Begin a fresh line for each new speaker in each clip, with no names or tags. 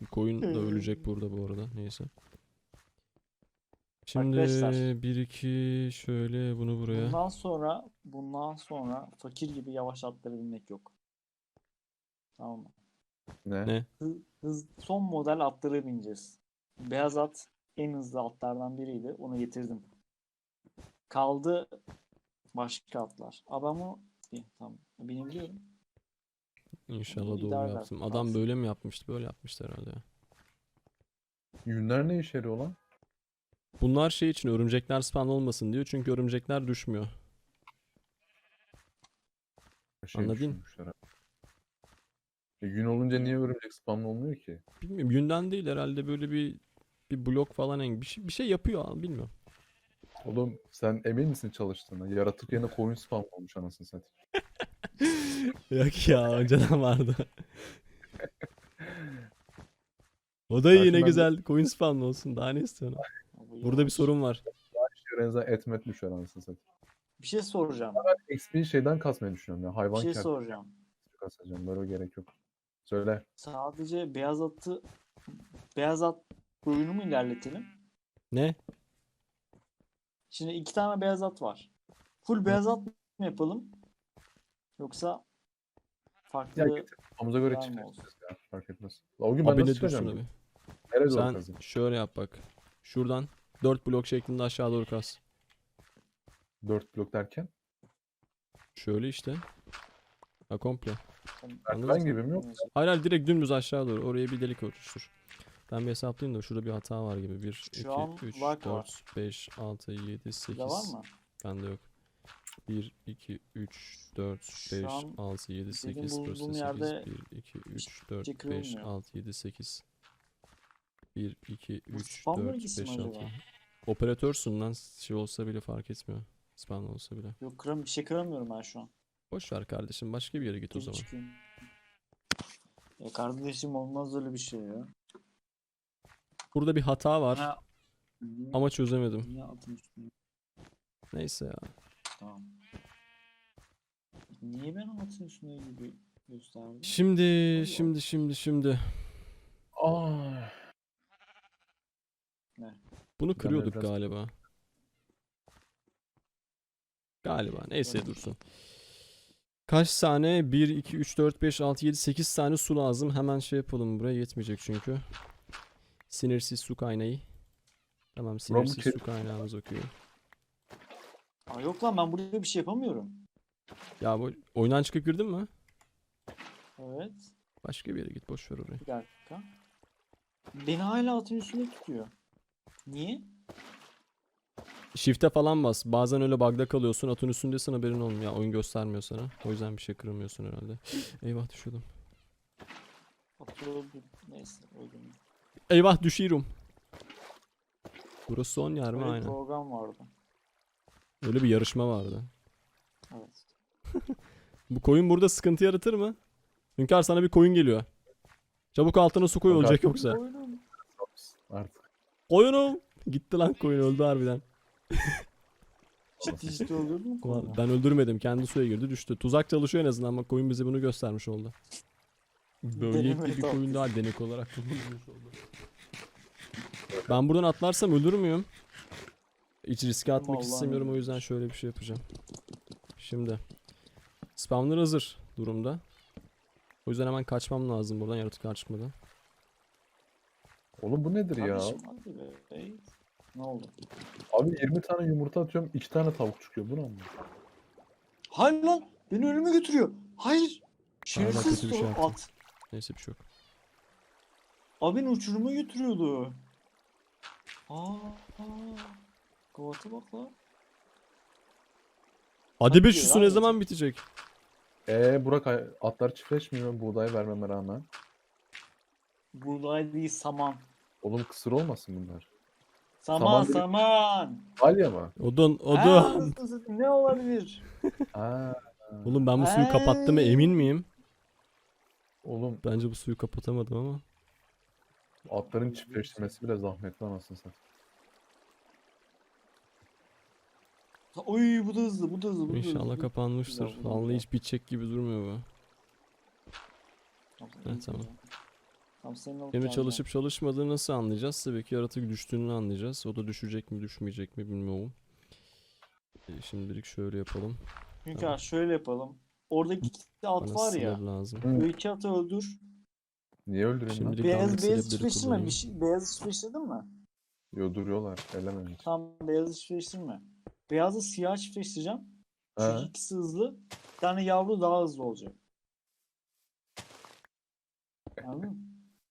Koyun da ölecek burada bu arada. Neyse. Şimdi
Arkadaşlar,
1-2 şöyle bunu buraya.
bundan sonra fakir gibi yavaş atlara binmek yok. Tamam mı?
Ne?
Ne?
Son model atlara bineceğiz. Beyaz at en hızlı atlardan biriydi. Onu getirdim. Kaldı başka atlar. Ama iyi, tamam. Binebiliyorum.
İnşallah
İyi,
doğru
idare eder.
yaptım. Adam
Kalsın.
böyle mi yapmıştı? Böyle yapmıştı herhalde ya.
Yünler ne işe yarıyor lan?
Bunlar şey için örümcekler spawn olmasın diyor. Çünkü örümcekler düşmüyor. Anladın?
Düşünmüşler abi. Yün olunca niye örümcek spamlı olmuyor ki?
Bilmiyorum. Yünden değil herhalde böyle bir blok falan bir şey yapıyor abi, bilmiyorum.
Oğlum sen emin misin çalıştığına? Yaratık yerine koyun spam olmuş anasını satayım.
Yok ya, önceden vardı. O da
Belki
yine
ben de-
güzel coin spawn olsun. Daha ne istiyorsun?
Bu
Burada bir
yavaş.
sorun var.
Renza etmet düşer anasını satayım.
Bir şey soracağım.
XP şeyden kasmayı düşünüyorum ya.
Bir
Hayvan
şey
kertesi
soracağım.
kasacağım. Böyle gerek yok. Söyle.
Sadece beyaz at oyunu mu ilerletelim?
Ne?
Şimdi 2 tane beyaz at var. Full beyaz at mı yapalım? Yoksa
Ya
farklı
getir. Kafamıza göre
var mı
çıkarız
olsun?
ya. Fark etmez. La o gün ben
Abi
nasıl
ne dursun
çıkacağım?
abi.
Nereye doğru
Sen
kazayım?
şöyle yap bak. Şuradan 4 blok şeklinde aşağı doğru kaz.
4 blok derken.
Şöyle işte. Ha, komple. Anladın
Ben
mı?
gibi mi yok?
Hayır hayır, direkt dümdüz aşağı doğru. Oraya bir delik oluştur. Ben bir hesaplayayım da şurada bir hata var gibi. 1,
Şu an
2, 3,
lag
4,
var.
5, 6, 7,
Sizde var
8.
mı?
Bende yok. 1, 2, 3, 4,
Şu
5,
an
6, 7,
benim
8. Burası
bulunduğum
da 8.
yerde
1, 2, 3,
şey
4, 5,
kırılmıyor.
6, 7, 8. 1, 2,
Bu
3,
spam
4,
bölgesi mi
5, 6.
acaba?
Operatörsün lan. Şey olsa bile fark etmiyor. Spawn olsa bile.
Yok bir şey kıramıyorum ben şu an.
Boş ver kardeşim. Başka bir yere git o
Geri
zaman.
çıkayım. Ya kardeşim olmaz öyle bir şey ya.
Burada bir hata var.
Ha, niye,
Ama çözemedim.
niye atın üstüne?
Neyse ya.
Tamam. Niye ben atın üstüne gibi gösterdim?
Şimdi.
Aa,
Ne?
Bunu kırıyorduk
biraz-
galiba. Galiba. Neyse
Öyle.
dursun. Kaç tane? 1, 2, 3, 4, 5, 6, 7, 8 tane su lazım. Hemen şey yapalım. Buraya yetmeyecek çünkü. Sinirsiz su kaynağı. Tamam, sinirsiz su kaynağımız okuyor.
Aa, yok lan ben burada bir şey yapamıyorum.
Ya bu oyundan çıkıp girdin mi?
Evet.
Başka bir yere git. Boş ver orayı.
Bir dakika. Beni hala atın üstünde tutuyor. Niye?
Shift'e falan bas. Bazen öyle bug'da kalıyorsun. Atın üstündesin, haberin olmuyor. Ya oyun göstermiyor sana. O yüzden bir şey kıramıyorsun herhalde. Eyvah, düşüyordum.
Atıyor. Neyse öldüm.
Eyvah, düşüyorum. Burası son yer mi?
Öyle bir
Aynen.
program vardı.
Öyle bir yarışma vardı.
Evet.
Bu koyun burada sıkıntı yaratır mı? Hünkar, sana bir koyun geliyor. Çabuk altına su koy,
Hünkar-
olacak yoksa.
Oyunum.
artık.
Koyunum. Gitti lan koyun, öldü harbiden.
Ciddi öldürdün mü
Ulan
konu?
ben öldürmedim, kendi suya girdi düştü. Tuzak çalışıyor en azından ama koyun bize bunu göstermiş oldu. Böylelikle
Deneme
bir koyun
tahtası.
daha denek olarak kullanılmış oldu. Ben buradan atlarsam ölür müyüm? Hiç riske atmak
Allah'ın
istemiyorum, o
emri.
yüzden şöyle bir şey yapacağım. Şimdi spawner hazır durumda. O yüzden hemen kaçmam lazım buradan, yaratıklar çıkmadan.
Oğlum bu nedir ya?
Kardeşim hadi be. Ey. Ne oldu?
Abi 20 tane yumurta atıyorum. 2 tane tavuk çıkıyor. Bu ne anlamı?
Hayır lan. Beni ölüme götürüyor. Hayır. Şerefsiz
kötü bir şey yaptım.
at.
Neyse, bir şey yok.
Abi beni uçuruma götürüyordu. Aa. Kovata bak lan.
Hadi be,
Hadi
şu
ya,
su ne
hadi.
zaman bitecek?
Burak atlar çiftleşmiyor buğday vermeme rağmen.
Buğday değil saman.
Oğlum kısır olmasın bunlar.
Saman
Saman
saman.
Alya mı?
Odun.
Anasını satayım, ne olabilir?
Aa,
Oğlum ben bu suyu kapattığıma emin miyim?
oğlum
Bence bu suyu kapatamadım ama.
atların çiftleştirmesi bile zahmetli anasını satayım.
Oy bu da hızlı, bu da hızlı, bu da hızlı.
İnşallah kapanmıştır.
Güzel, bu da
Vallahi
güzel.
hiç bitecek gibi durmuyor bu.
Tamam,
Evet, tamam.
Tam senin alıp
Şimdi
geleceğim.
çalışıp çalışmadığını nasıl anlayacağız? Tabii ki yaratık düştüğünü anlayacağız. O da düşecek mi düşmeyecek mi bilmiyorum. Şimdilik şöyle yapalım.
Çünkü
Tamam.
şöyle yapalım. Oradaki iki at
Bana
var
sinir
ya.
lazım.
Hı.
O iki atı öldür.
Niye öldüreyim lan?
Şimdilik
Beyaz
damlık
beyaz
silepleri
çiftleştirme.
kullanayım.
Bir şey, beyazı çiftleştirdin mi?
Yo duruyorlar. Elememiş.
Tam beyazı çiftleştirme. Beyazı siyah çiftleştireceğim. Çünkü
Ha.
ikisi hızlı. Bir tane yavru daha hızlı olacak. Anladın mı?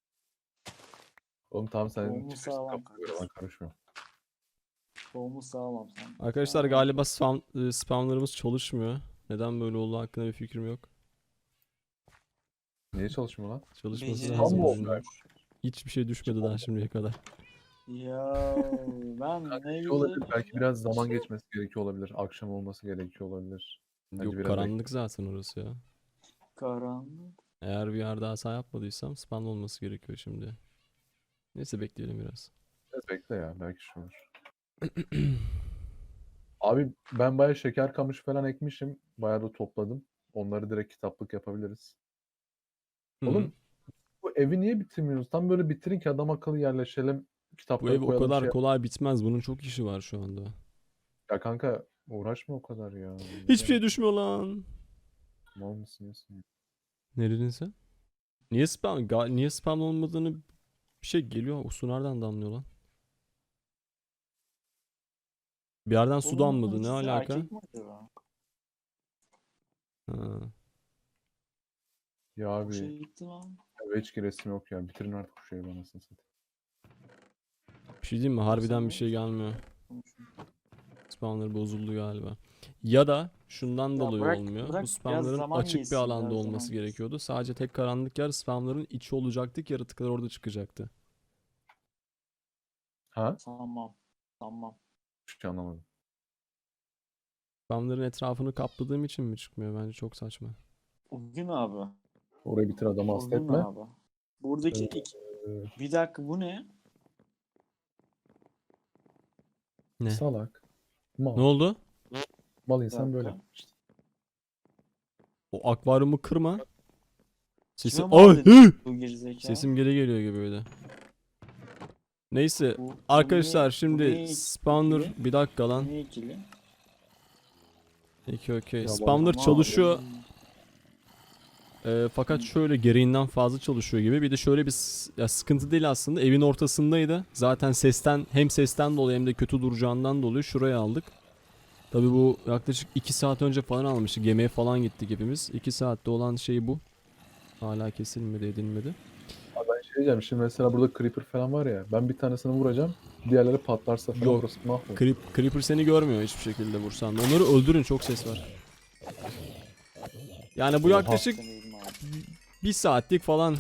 Oğlum tamam sen
Tohumu
çiftleştir
sağlam
kafana göre, ben karışmıyorum.
Tohumu sağlam sen.
Arkadaşlar galiba spamlarımız çalışmıyor. Neden böyle oldu hakkında bir fikrim yok.
Niye çalışmıyor lan?
Çalışması
Beceriksiz
lazım.
Tam mı
bizim.
oldu?
Hiçbir şey düşmedi daha şimdiye kadar.
Ya ben ne
Şey
güzel.
olabilir, belki biraz zaman geçmesi gerekiyor olabilir. Akşam olması gerekiyor olabilir. Bence
Yok
biraz
karanlık zaten orası ya.
Karanlık.
Eğer bir yer daha hata yapmadıysam spam olması gerekiyor şimdi. Neyse bekleyelim biraz.
Biraz bekle ya, belki şey olur. Abi ben bayağı şeker kamışı falan ekmişim. Bayağı da topladım. Onları direkt kitaplık yapabiliriz.
Hı hı.
Oğlum bu evi niye bitirmiyoruz? Tam böyle bitirin ki adam akıllı yerleşelim.
Bu
Kitapları
ev o
koyalım
kadar
şey.
kolay bitmez. Bunun çok işi var şu anda.
Ya kanka uğraşma o kadar ya.
Hiçbir şey düşmüyor lan.
Mal mısın nesin?
Ne dedin sen? Niye niye spam olmadığını bir şey geliyor. O su nereden damlıyor lan? Bir yerden su
Oğlum
damladı.
bunun
Ne
ikisi
alaka?
erkek mi acaba?
Ha.
Ya
Bu şey
abi
gitti lan.
eve hiç giresim yok ya. Bitirin artık bu şeyi bana satayım.
Bir şey diyeyim mi? Harbiden
Sen
bir şey
ne-
gelmiyor. Spamları bozuldu galiba. Ya da şundan
Ya
dolayı
bırak-
olmuyor.
bırak
Bu
biraz
spamların
zaman
açık bir
geçsin,
alanda
biraz
olması
zaman
gerekiyordu. Sadece tek karanlık yer spamların içi olacaktı ki yaratıklar orada çıkacaktı.
Ha?
Tamam. Tamam.
Hiçbir şey anlamadım.
Spamların etrafını kapladığım için mi çıkmıyor? Bence çok saçma.
Bugün abi.
Orayı bitir adamı hasta
Bugün
etme.
abi. Buradaki bir dakika bu ne?
Ne?
Salak. Mal.
Ne oldu?
Mal
Bir
insan böyle.
dakika.
İşte.
O akvaryumu kırma. Sesim...
Kime mal
Ay!
dedi
Hı!
bu gerizekalı?
Sesim geri geliyor gibi öyle. Neyse.
Bu
Arkadaşlar
niye- bu
şimdi
niye
spawner
ikili?
bir dakika lan.
Niye ikili?
Okey okey.
Ya
Spawner
Tamam.
çalışıyor. Fakat şöyle gereğinden fazla çalışıyor gibi. Bir de şöyle bir ya sıkıntı değil aslında. Evin ortasındaydı. Zaten hem sesten dolayı hem de kötü duracağından dolayı şuraya aldık. Tabi bu yaklaşık 2 saat önce falan almıştık. Yemeğe falan gittik hepimiz. 2 saatte olan şey bu. Hala kesilmedi edilmedi.
Abi ben şey diyeceğim. Şimdi mesela burada creeper falan var ya. Ben bir tanesini vuracağım. Diğerleri patlarsa falan
Yok.
burası mahvolur.
Creeper seni görmüyor hiçbir şekilde vursan da. Onları öldürün, çok ses var. Yani bu
Oha.
yaklaşık 1 saatlik falan.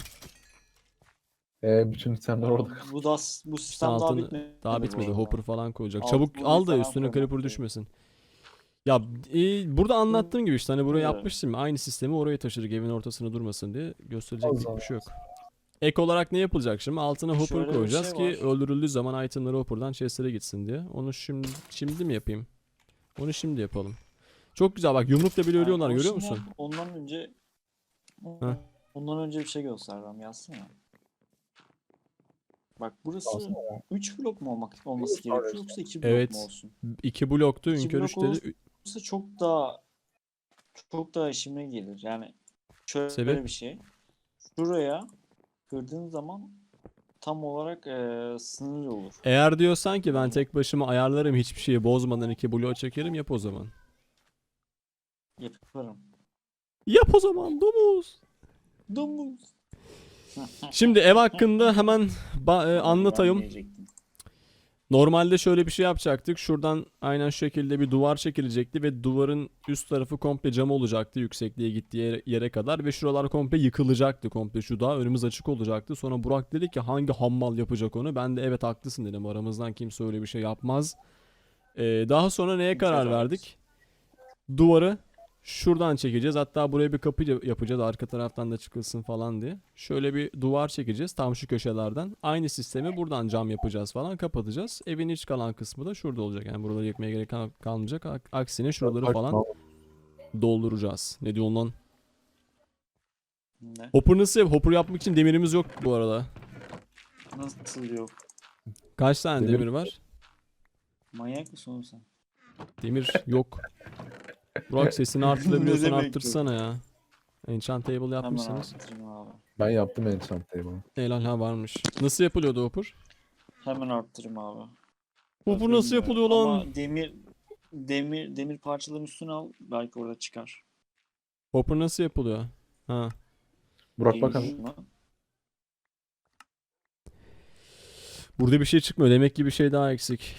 Bütün itemler orada.
Bu sistem daha
altını-
bitmedi.
Daha
bu
bitmedi.
arada.
Hopper falan koyacak.
Alt
Çabuk
bunu
al da
falan
üstüne
koymak
creeper
gerekiyor.
düşmesin. Ya burada anlattığım gibi işte hani buraya
Evet.
yapmıştım. Aynı sistemi oraya taşıdık evin ortasına durmasın diye. Gösterecek
Allah
bir şey yok. Ek olarak ne yapılacak şimdi? Altına hopper
Şöyle bir
koyacağız
şey
ki
var.
öldürüldüğü zaman itemleri hopper'dan chest'lere gitsin diye. Onu şimdi mi yapayım? Onu şimdi yapalım. Çok güzel bak yumrukla bile ölüyorlar
onu
görüyor
şimdi
musun?
yap, Ondan önce
Heh.
ondan önce bir şey göstereceğim. Yazsana. Bak burası
Alsana
3 blok mu olması
Yok,
gerekiyor
hayır.
yoksa 2 blok
Evet.
mu olsun?
2 bloktu.
İki
Ünkör
blok
3 dedi.
olursa çok daha işime gelir. Yani şöyle
Sebep?
bir şey. Şuraya kırdığın zaman tam olarak sınır olur.
Eğer diyorsan ki ben
Tamam.
tek başıma ayarlarım hiçbir şeyi bozmadan 2 blok çekerim yap o zaman.
Yaparım.
Yap o zaman domuz.
Domuz.
Şimdi ev hakkında hemen
Ben
anlatayım.
diyecektim.
Normalde şöyle bir şey yapacaktık. Şuradan aynen şu şekilde bir duvar çekilecekti ve duvarın üst tarafı komple cam olacaktı yüksekliğe gittiği yere kadar ve şuralar komple yıkılacaktı komple şu dağ önümüz açık olacaktı. Sonra Burak dedi ki hangi hammal yapacak onu? Ben de evet haklısın dedim. Aramızdan kimse öyle bir şey yapmaz. Daha sonra neye
Kimse
karar
yapamaz.
verdik? Duvarı şuradan çekeceğiz. Hatta buraya bir kapı yapacağız. Arka taraftan da çıkılsın falan diye. Şöyle bir duvar çekeceğiz. Tam şu köşelerden. Aynı sistemi buradan cam yapacağız falan. Kapatacağız. Evin iç kalan kısmı da şurada olacak. Yani buraları yıkmaya gerek kalmayacak. Aksine şuraları
Bak,
falan dolduracağız. Ne diyorsun lan?
Ne?
Hopper nasıl Hopper yapmak için demirimiz yok bu arada.
Nasıl yok?
Kaç tane
Demir-
demir var?
Manyak mısın oğlum sen?
Demir yok. Burak sesini
Ne
arttırabiliyorsan
demek yok?
arttırsana ya. Enchant table
Hemen
yapmışsınız.
arttırayım abi.
Ben yaptım enchant table'ı.
Helal ha varmış. Nasıl yapılıyordu Hopper?
Hemen arttırayım abi.
Hopper nasıl
Bilmiyorum
yapılıyor lan?
ama demir parçaların üstüne al. Belki orada çıkar.
Hopper nasıl yapılıyor? Ha.
Burak bak
Geliyor
hemen.
mu?
Burada bir şey çıkmıyor. Demek ki bir şey daha eksik.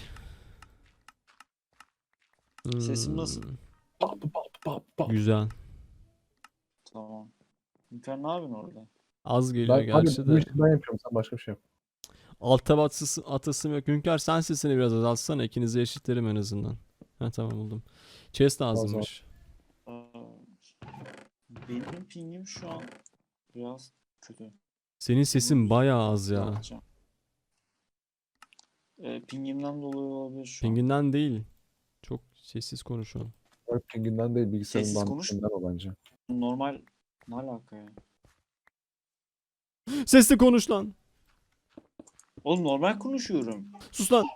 Sesim nasıl?
Bap, bap, bap, bap.
Güzel.
Tamam. Hünkar ne yapıyorsun orada?
Az geliyor
Ben,
gerçi
abi, bu
de.
işi ben yapıyorum, sen başka bir şey yap.
Altta atasım yok. Hünkar sen sesini biraz azaltsana. İkinizi eşitlerim en azından. Ha tamam buldum. Chest lazımmış.
Aa, benim pingim şu an biraz kötü.
Senin sesin bayağı az
Ne
ya.
yapacağım? Pingimden dolayı olabilir şu an.
Pinginden değil. Çok sessiz konuşuyorsun.
Burak pinginden değil, bilgisayarın
Sessiz konuş.
banditinden o bence.
Normal ne alaka ya?
Sesli konuş lan.
Oğlum normal konuşuyorum.
Sus lan.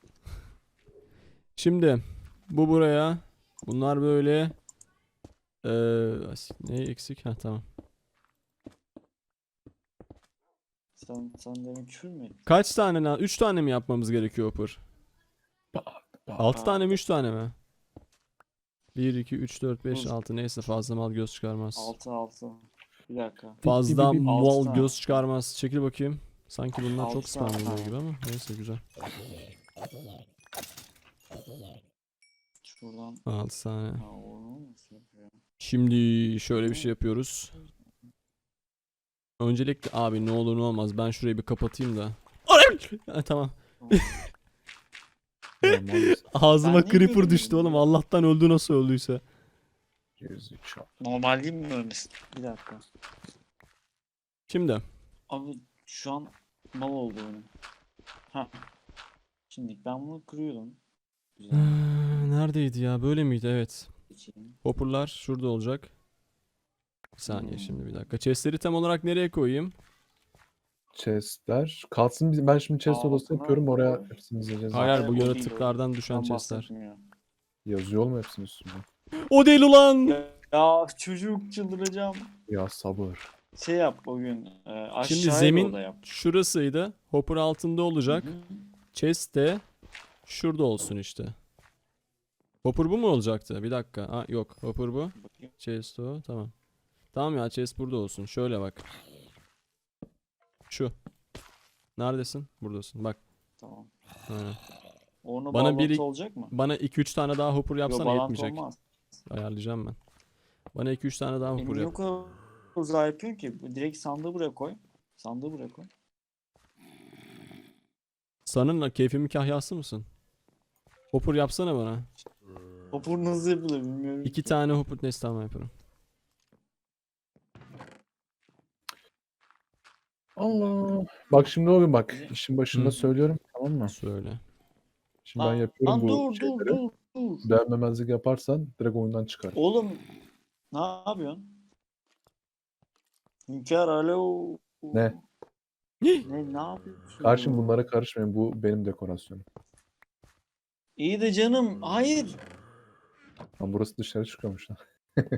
Şimdi bu buraya. Bunlar böyle. Ne eksik? Ha tamam.
Sen demin küfür mü ettin?
Kaç tane lan? 3 tane mi yapmamız gerekiyor Hopper?
Bap, bap.
6
Aa.
tane mi 3 tane mi? 1, 2, 3, 4, 5,
Dur.
6 neyse fazla mal göz çıkarmaz.
6. Bir dakika.
Fazla
Bip, bip, bip.
mal
Altı tane.
göz çıkarmaz. Çekil bakayım. Sanki bunlar çok
Altı
spam
tane.
oluyor gibi ama neyse güzel.
Şuradan.
6 tane.
Ha, onu nasıl yapıyor?
Şimdi şöyle bir şey yapıyoruz. Öncelikle abi ne olur ne olmaz ben şurayı bir kapatayım da. Ha, tamam.
Normal
Ağzıma
Ben niye
creeper
görmedim
düştü oğlum.
ya?
Allah'tan öldü nasıl öldüyse.
gerizekalı.
Normal değil mi ölmesi? Bir dakika.
Şimdi
Abi şu an mal oldu benim. Ha. Şimdi ben bunu kırıyorum. Güzel.
neredeydi ya? Böyle miydi? Evet.
Geçeyim.
Hopper'lar şurada olacak. Bir saniye
Hmm.
şimdi bir dakika. Chest'leri tam olarak nereye koyayım?
Chestler. Kalsın ben şimdi chest odası
Altına
yapıyorum, oraya
koy.
hepsini dizeceğiz.
Hayır
Hayır,
bu
o değil, o
yaratıklardan
değil.
düşen
Ben
chest'ler.
bahsetmiyorum.
Yazıyor mu hepsinin üstünde?
O değil ulan.
Ya çocuk çıldıracağım.
Ya sabır.
Şey yap bugün. Aşağıya
Şimdi
da
zemin
oda yap.
şurasıydı. Hopper altında olacak.
Hı hı.
Chest de şurada olsun işte. Hopper bu mu olacaktı? Bir dakika. Ha, yok. Hopper bu.
Bakayım.
Chest o. Tamam. Tamam ya chest burada olsun. Şöyle bak. Şu. Neredesin? Buradasın. Bak.
Tamam.
Aynen.
Onu
Bana
bağlantı
biri-
olacak mı?
Bana 2-3 tane daha hopper
Yok
yapsana
bağlantı
yetmeyecek.
olmaz.
Ayarlayacağım ben. Bana 2-3 tane daha hopper
Niye
yap.
o kadar uzağa yapıyorsun ki? Direkt sandığı buraya koy. Sandığı buraya koy.
Sanın keyfimin kahyası mısın? Hopper yapsana bana.
Hopper nasıl yapılır bilmiyorum
2
ki.
tane hopper neyse tamam yaparım.
Allah. Bak şimdi o gün bak. İşin başında
Hı.
söylüyorum, tamam mı?
Söyle.
Şimdi ben yapıyorum
Lan
bu
dur
şeyleri.
dur.
Beğenmemezlik yaparsan direkt oyundan çıkar.
Oğlum ne yapıyorsun? Hünkar alo.
Ne?
Ne yapıyorsun?
Karşım bunlara karışmayın. Bu benim dekorasyonum.
İyi de canım. Hayır.
Lan burası dışarı çıkıyormuş lan.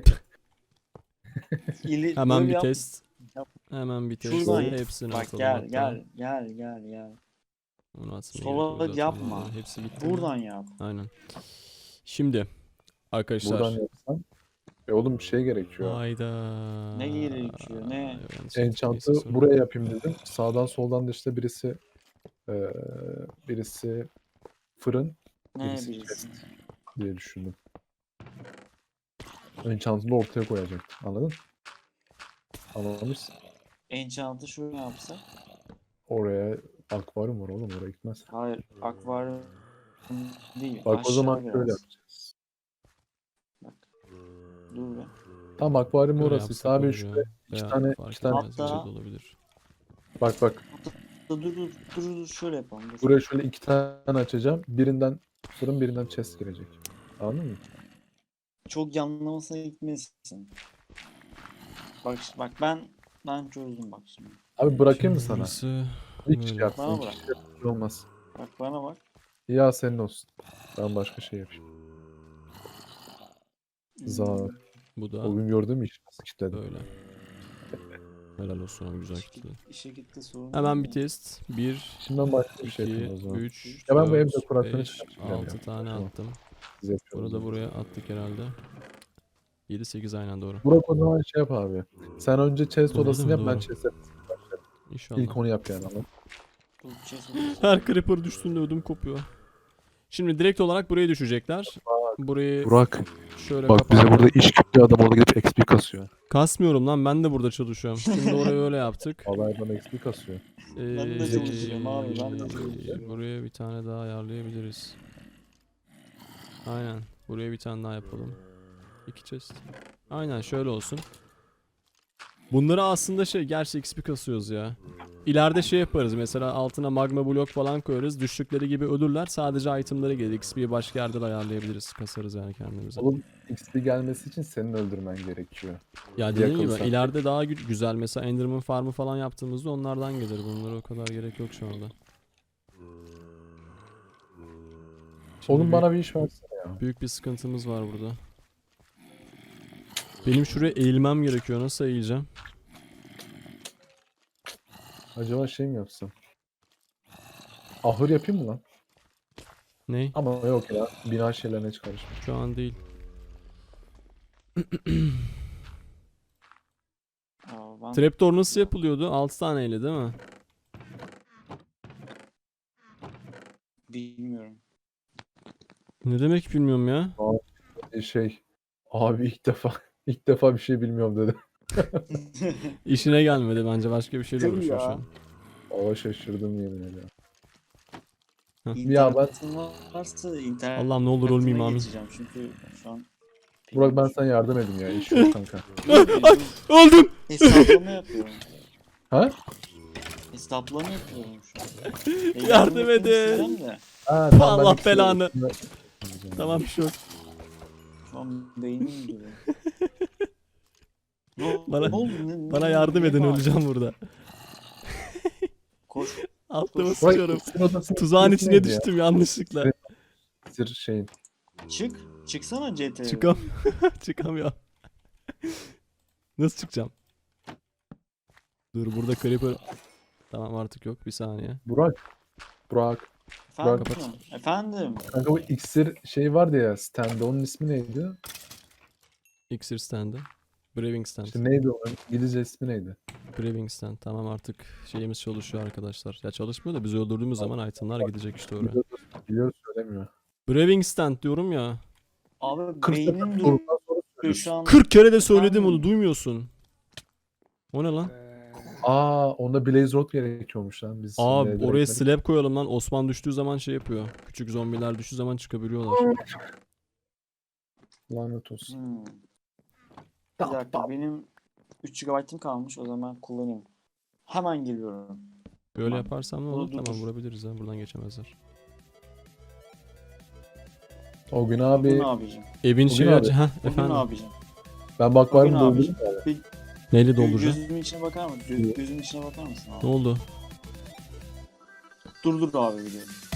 Hemen
Böyle
bir
yap-
test.
yap.
Hemen bir test.
Şuradan yap.
Hepsini
Bak
atalım
gel
hatta.
gel.
Onu atmaya
Sola
gerek yok zaten.
yapma.
Bunların Hepsi gitti. mi?
Buradan yap.
Aynen. Şimdi arkadaşlar.
Buradan yapsam. Oğlum bir şey gerekiyor.
Hayda.
Ne gerekiyor, ne?
Yanlış yaptık,
Enchant'ı
neyse, sorun
buraya
yok.
yapayım dedim. Sağdan soldan da işte birisi fırın
Ne
birisi
bilirsin.
diye düşündüm. Enchant'ı da ortaya koyacaktım. Anladın? Anlamışsın.
Enchant'ı şöyle yapsak.
Oraya akvaryum var oğlum, oraya gitmez.
Hayır, akvaryum değil.
Bak o
aşağı
zaman
biraz.
şöyle yapacağız.
Bak. Dur be.
Tamam, akvaryum
Böyle
orası.
yapsak
Abi
olur
şöyle
ya.
iki
Veya
tane-
fark
iki tane-
etmez,
Hatta-
öyle de olabilir.
bak
Dur şöyle yapalım. Dur.
buraya şöyle iki tane açacağım. Birinden fırın, birinden chest girecek. Anladın mı?
Çok yanlamasına gitmesin. Bak ben Ben çözdüm bak şimdi.
Abi bırakayım mı sana?
Burası
Hiç
böyle.
şey yapsın.
Bana
Hiç
bırak.
şey olmaz.
Bak bana bak.
Ya senin olsun. Ben başka şey yapayım.
Hmm,
Zar.
Bu da
O gün gördüğüm iş nasıl kilitledim.
böyle. Helal olsun abi, güzel
işe,
kitle.
işe gitti sorun
Hemen
değil
bir
mi?
test. 1,
Şimdi ben başka bir
2,
şey yapayım o zaman.
3,
Ya ben bu evde
4,
dekorasyonu
5,
çıkartacağım
6
ya.
tane
Tamam.
attım.
Biz yapıyoruz
Bunu da
onu.
buraya attık herhalde. 7, 8 aynen doğru.
Burak o zaman şey yap abi. Sen önce chest
Doğru
odasını
değil
yap,
mi?
ben
Doğru.
chest'e
İnşallah.
ilk onu yap yani ama.
Dur, chest
Her creeper düştüğünde ödüm kopuyor. Şimdi direkt olarak buraya düşecekler. Burayı
Burak
şöyle
bak bize
kapattım.
burada iş kütlü adam orada gidip XP kasıyor.
Kasmıyorum lan, ben de burada çalışıyorum. Şimdi orayı öyle yaptık.
Vallahi bana XP kasıyor.
Ben de çalışıyorum abi, ben de çalışıyorum.
Buraya bir tane daha ayarlayabiliriz. Aynen. Buraya bir tane daha yapalım. 2 chest. Aynen şöyle olsun. Bunları aslında gerçi XP kasıyoruz ya. İleride şey yaparız, mesela altına magma blok falan koyarız. Düştükleri gibi ölürler. Sadece itemları gelir. XP'yi başka yerde de ayarlayabiliriz. Kasarız yani kendimize.
Oğlum XP gelmesi için senin öldürmen gerekiyor.
Ya dediğim gibi
yakınsan.
ileride daha güzel, mesela Enderman farmı falan yaptığımızda onlardan gelir. Bunlara o kadar gerek yok şu anda. Şimdi
Oğlum bana bir iş versene ya.
büyük bir sıkıntımız var burada. Benim şuraya eğilmem gerekiyor. Nasıl eğileceğim?
Acaba şey mi yapsam? Ahır yapayım mı lan?
Ney?
Ama yok ya. Bina şeylerine hiç karışma.
Şu an değil.
Aa, ben
Trapdoor nasıl yapılıyordu? 6 taneyle değil mi?
bilmiyorum.
Ne demek bilmiyorum ya.
Şey abi ilk defa bir şey bilmiyorum dedi.
İşine gelmedi bence, başka bir şeyle
Tabii
uğraşıyor
ya.
şu an.
Ava şaşırdım yemin ederim. Ya ben-
İnternetin varsa internet.
Allah'ım ne olur ölmeyeyim amin.
Geçeceğim çünkü şu an.
Burak ben sana yardım edeyim ya. İş yok kanka.
Öldüm!
Hesaplama yapıyorum.
Ha?
Hesaplama yapıyorum şu an.
Yardım
etmek
edin.
isteyeceğim de
Ha, tamam, ben
Allah
ikisini
belanı.
üstüne-
Tamam, bir şey yok.
şu an beynim duruyor.
Bana-
ne oldu?
Bana yardım
ne
edin,
var?
öleceğim burada.
Koş.
Altıma
Burak,
sıçıyorum.
ikisinin odasının
Tuzağın
ismi
içine
neydi ya?
düştüm yanlışlıkla.
Sır şeyin.
Çık. Çıksana CT'ye.
Çıkamıyorum. Nasıl çıkacağım? Dur, burada creeper. Tamam, artık yok, bir saniye.
Burak.
Efendim.
Kapat.
Efendim.
Kanka bu iksir şey vardı ya stand onun ismi neydi?
Iksir standı. Braving stand.
İşte neydi onun İngilizce ismi neydi?
Braving stand. Tamam, artık şeyimiz çalışıyor arkadaşlar. Ya çalışmıyor da biz öldürdüğümüz zaman itemlar gidecek işte oraya.
Biliyoruz söylemiyor.
Braving stand diyorum ya.
Abi
40
beynim
sefer
duruyor
sorundan sonra
şu an.
40 kere de söyledim
Efendim?
onu, duymuyorsun. O ne lan?
Aa onda Blaze Rod gerekiyormuş lan. Biz
Aa,
şimdi
oraya
direkt-
slab koyalım lan. Osman düştüğü zaman şey yapıyor. Küçük zombiler düştüğü zaman çıkabiliyorlar.
Lanet olsun.
Bir dakika benim 3 GB'ım kalmış, o zaman kullanayım. Hemen geliyorum.
Böyle
Tamam.
yaparsam ne
Dur,
olur?
dur,
Tamam,
dur.
vurabiliriz ha. Buradan geçemezler.
O gün
Bugün
abi
abicim.
Evin
Bugün
şeyi
abi.
acı. Heh,
Bugün
efendim.
abicim.
ben bak var mı
Bugün abicim.
doldurdum yani.
Neyle dolduracağım?
Gözümün içine bakar mısın? Gözümün içine bakar mısın abi?
Ne oldu?
Dur abi biliyorum.